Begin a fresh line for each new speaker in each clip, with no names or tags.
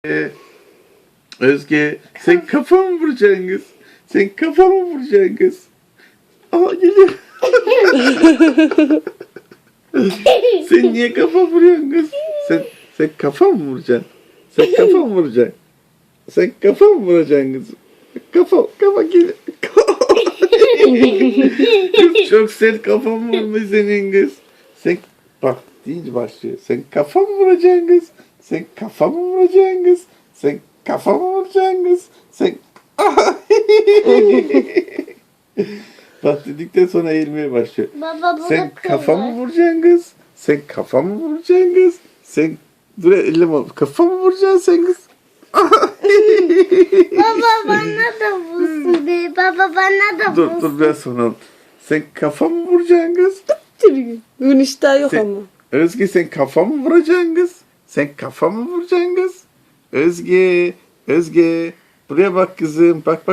Özge, sen kafamı vuracaksın kız. Sen kafamı vuracaksın kız. Aa geliyor. Sen niye kafa vuruyorsun kız? Sen kafa mı vuracaksın? Sen kafa mı vuracaksın? Sen kafa mı vuracaksın kız? Kafa geliyor. Kız çok sert kafam vurmuş senin kız. Sen bak deyince başlıyor. Sen kafa mı vuracaksın kız? Sen kafa mı vuracaksın kız? Sen kafa mı vuracaksın kız? Sen bak dedikten sonra eğilmeye başlıyor.
Baba bu
Sen
da
kafa mı
kırmızı.
vuracaksın kız? Sen kafa mı vuracaksın kız? Sen dur elleme. Kafa mı vuracaksın sen kız?
Baba bana da vursun be. Baba bana da
Dur
vursun.
dur biraz sonra. Sen kafa mı vuracaksın kız?
Bugün iştah yok
Sen-
ama.
Özge sen kafa mı vuracaksın kız? Sen kafa mı vuracaksın kız? Özge. Buraya bak kızım. Bak.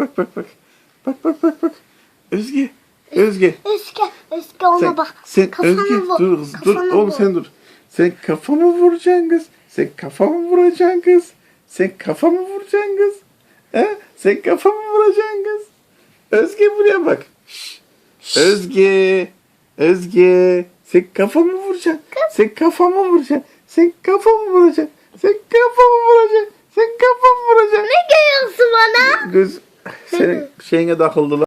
Bak. Özge.
Eski ona bak.
Sen
Kafana
Özge
vur,
dur kız dur
kafana
oğlum
vur.
sen dur. Sen kafa mı vuracaksın kız? Sen kafa mı vuracaksın kız? Sen kafa mı vuracaksın kız? He? Sen kafa mı vuracaksın kız? Özge buraya bak. Şşş. Özge. Sen kafa mı vuracaksın? Sen kafa mı vuracaksın? Sen kafa mı vuracaksın? Sen kafa mı vuracaksın? Sen kafa mı vuracaksın?
Ne geliyorsun bana?
Göz senin şeyine takıldılar.